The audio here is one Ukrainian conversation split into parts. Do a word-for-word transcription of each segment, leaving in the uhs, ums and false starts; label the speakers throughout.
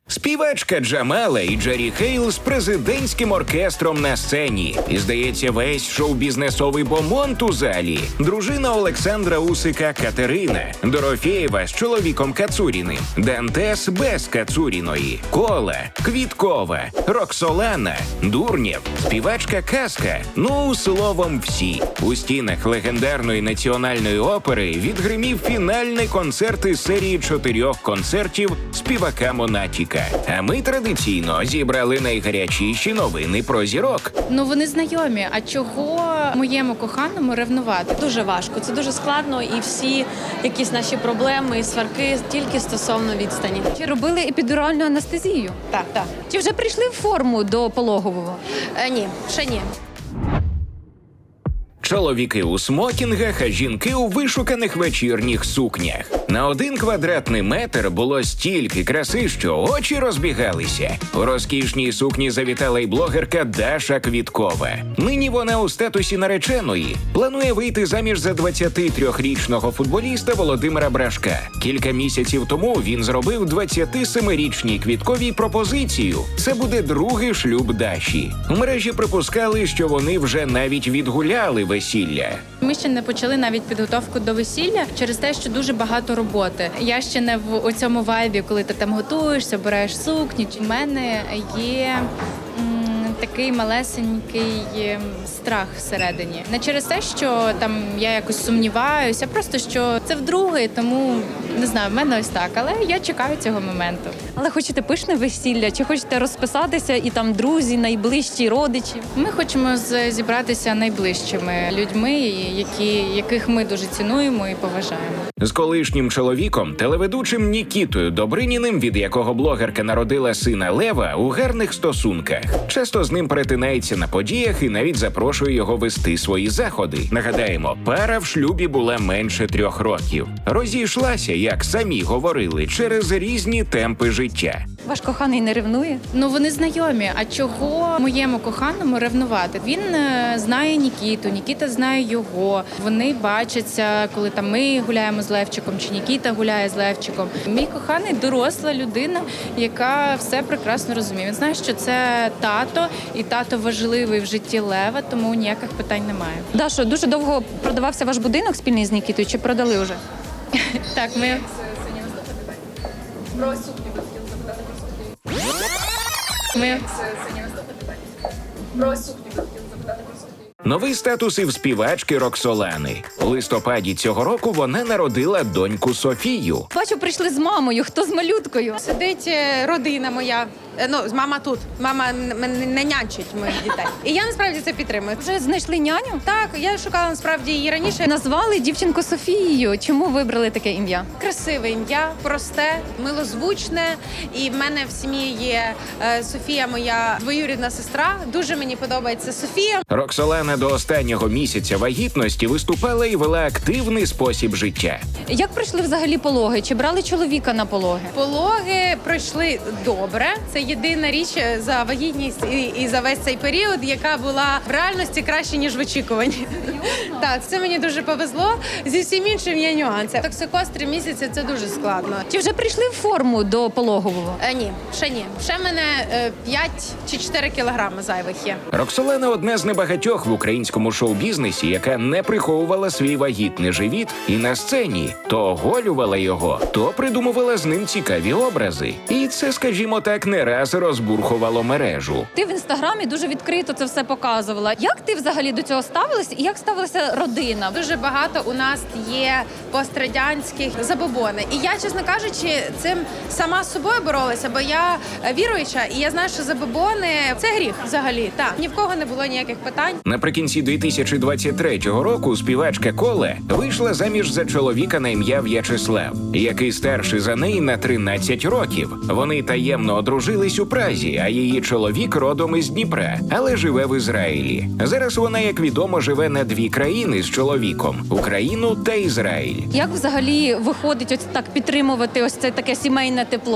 Speaker 1: Співачка Джамала і Джері Хейл з президентським оркестром на сцені. І, здається, весь шоу-бізнесовий бомонд у залі. Дружина Олександра Усика Катерина, Дорофєєва з чоловіком Кацуріним, Дантес без Кацуріної, Кола, Квіткова, Роксолана, Дурнєв, співачка Казка. Ну, словом, всі. У стінах легендарної національної опери відгримів фінальний концерт із серії чотирьох концертів співака Монатіка. А ми традиційно зібрали найгарячіші новини про зірок.
Speaker 2: Ну, вони знайомі. А чого моєму коханому ревнувати?
Speaker 3: Дуже важко, це дуже складно, і всі якісь наші проблеми і сварки тільки стосовно відстані.
Speaker 4: Чи робили епідуральну анестезію?
Speaker 3: Так, так.
Speaker 4: Чи вже прийшли в форму до пологового?
Speaker 3: Е, ні, ще ні.
Speaker 1: Чоловіки у смокінгах, а жінки у вишуканих вечірніх сукнях. На один квадратний метр було стільки краси, що очі розбігалися. У розкішній сукні завітала й блогерка Даша Квіткова. Нині вона у статусі нареченої. Планує вийти заміж за двадцятитрирічного футболіста Володимира Брашка. Кілька місяців тому він зробив двадцятисемирічній Квітковій пропозицію. Це буде другий шлюб Даші. У мережі припускали, що вони вже навіть відгуляли весілля.
Speaker 2: Ми ще не почали навіть підготовку до весілля через те, що дуже багато роботи. Я ще не в у цьому вайбі, коли ти там готуєшся, обираєш сукні. У мене є м, такий малесенький ем, страх всередині. Не через те, що там я якось сумніваюся, а просто що це вдруге, тому не знаю, в мене ось так. Але я чекаю цього моменту.
Speaker 4: Але хочете пишне весілля? Чи хочете розписатися і там друзі, найближчі, родичі?
Speaker 2: Ми хочемо з- зібратися найближчими людьми, які, яких ми дуже цінуємо і поважаємо.
Speaker 1: З колишнім чоловіком, телеведучим Нікітою Добриніним, від якого блогерка народила сина Лева, у гарних стосунках. Часто з ним перетинається на подіях і навіть запрошує його вести свої заходи. Нагадаємо, пара в шлюбі була менше трьох років. Розійшлася, як самі говорили, через різні темпи життя.
Speaker 4: Ваш коханий не ревнує?
Speaker 2: Ну, вони знайомі. А чого моєму коханому ревнувати? Він е, знає Нікіту, Нікіта знає його. Вони бачаться, коли там ми гуляємо з Левчиком, чи Нікіта гуляє з Левчиком. Мій коханий доросла людина, яка все прекрасно розуміє. Він знає, що це тато, і тато важливий в житті Лева, тому ніяких питань немає.
Speaker 4: Дашо, дуже довго продавався ваш будинок спільний з Нікітою, чи продали вже?
Speaker 2: Так, ми Ми
Speaker 1: Новий статус і в співачки Роксолани. У листопаді цього року вона народила доньку Софію.
Speaker 4: Бачу, прийшли з мамою. Хто з малюткою?
Speaker 5: Сидить е, родина моя. Е, Ну, мама тут. Мама н- н- не нянчить моїх дітей. І я насправді це підтримую.
Speaker 4: Вже знайшли няню?
Speaker 5: Так, я шукала насправді її раніше.
Speaker 4: Назвали дівчинку Софією. Чому вибрали таке ім'я?
Speaker 5: Красиве ім'я, просте, милозвучне. І в мене в сім'ї є е, Софія, моя двоюрідна сестра. Дуже мені подобається Софія.
Speaker 1: Роксолана до останнього місяця вагітності виступала і вела активний спосіб життя.
Speaker 4: Як пройшли взагалі пологи? Чи брали чоловіка на пологи?
Speaker 5: Пологи пройшли добре. Це єдина річ за вагітність і, і за весь цей період, яка була в реальності краще, ніж в очікуванні. Так, це мені дуже повезло. Зі всім іншим є нюанси. Токсикоз три місяці – це дуже складно.
Speaker 4: Чи вже прийшли в форму до пологового?
Speaker 5: Е, ні, ще ні. Ще в мене е, п'ять чи чотири кілограми зайвих є.
Speaker 1: Роксолана – одна з небагатьох в українському шоу-бізнесі, яка не приховувала свій вагітний живіт і на сцені. То оголювала його, то придумувала з ним цікаві образи. І це, скажімо так, не раз розбурхувало мережу.
Speaker 4: Ти в інстаграмі дуже відкрито це все показувала. Як ти взагалі до цього ставилась і як ставилася родина?
Speaker 5: Дуже багато у нас є пострадянських забобони. І я, чесно кажучи, цим сама з собою боролася, бо я віруюча, і я знаю, що забобони – це гріх взагалі. Так, ні в кого не було ніяких питань.
Speaker 1: Наприкінці дві тисячі двадцять третього року співачка Кола вийшла заміж за чоловіка на ім'я В'ячеслав, який старший за неї на тринадцять років. Вони таємно одружились у Празі, а її чоловік родом із Дніпра, але живе в Ізраїлі. Зараз вона, як відомо, живе на дві країни з чоловіком – Україну та Ізраїль.
Speaker 4: Як взагалі виходить ось так підтримувати ось це таке сімейне тепло?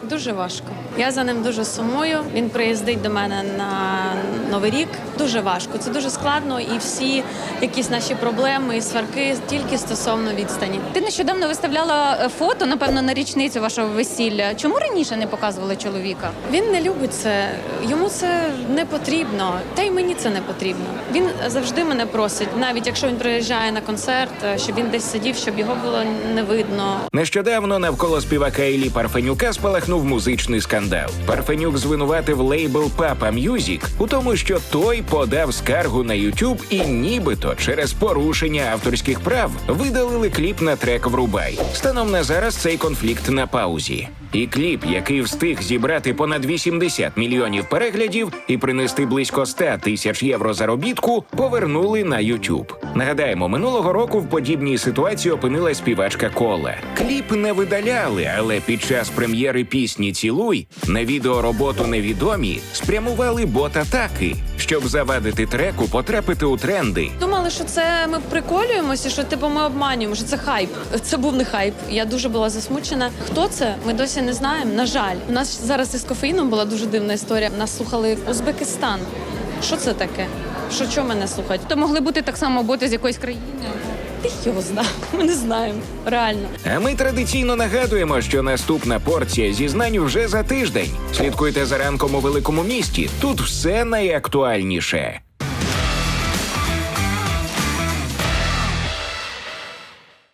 Speaker 3: Дуже важко. Я за ним дуже сумую. Він приїздить до мене на Новий рік. Дуже важко. Це дуже складно, і всі якісь наші проблеми і сварки тільки стосовно відстані.
Speaker 4: Ти нещодавно виставляла е, фото, напевно, на річницю вашого весілля. Чому раніше не показували чоловіка?
Speaker 3: Він не любить це, йому це не потрібно, та й мені це не потрібно. Він завжди мене просить, навіть якщо він приїжджає на концерт, щоб він десь сидів, щоб його було не видно.
Speaker 1: Нещодавно навколо співака Іллі Парфенюка спалахнув музичний скандал. Парфенюк звинуватив лейбл Papa Music у тому, що той подав скаргу на YouTube і нібито через порушення авторських прав видалили кліп на трек «Врубай». Станом на зараз цей конфлікт на паузі. І кліп, який встиг зібрати понад вісімдесят мільйонів переглядів і принести близько сто тисяч євро заробітку, повернули на YouTube. Нагадаємо, минулого року в подібній ситуації опинилась співачка Кола. Кліп не видаляли, але під час прем'єри пісні «Цілуй» на відеороботу «Невідомі» спрямували бот-атаки, щоб завадити треку потрапити у тренди.
Speaker 3: Думали, що це ми приколюємося, що типу ми обманюємо, що це хайп. Це був не хайп. Я дуже була засмучена. Хто це? Ми досі не знаємо. На жаль, у нас зараз із кофеїном була дуже дивна історія. Нас слухали Узбекистан. Що це таке? Що чого мене слухають?
Speaker 4: То могли бути так само боти з якоїсь країни.
Speaker 3: Ти його знав. Ми не знаємо. Реально.
Speaker 1: А ми традиційно нагадуємо, що наступна порція зізнань вже за тиждень. Слідкуйте за ранком у великому місті. Тут все найактуальніше.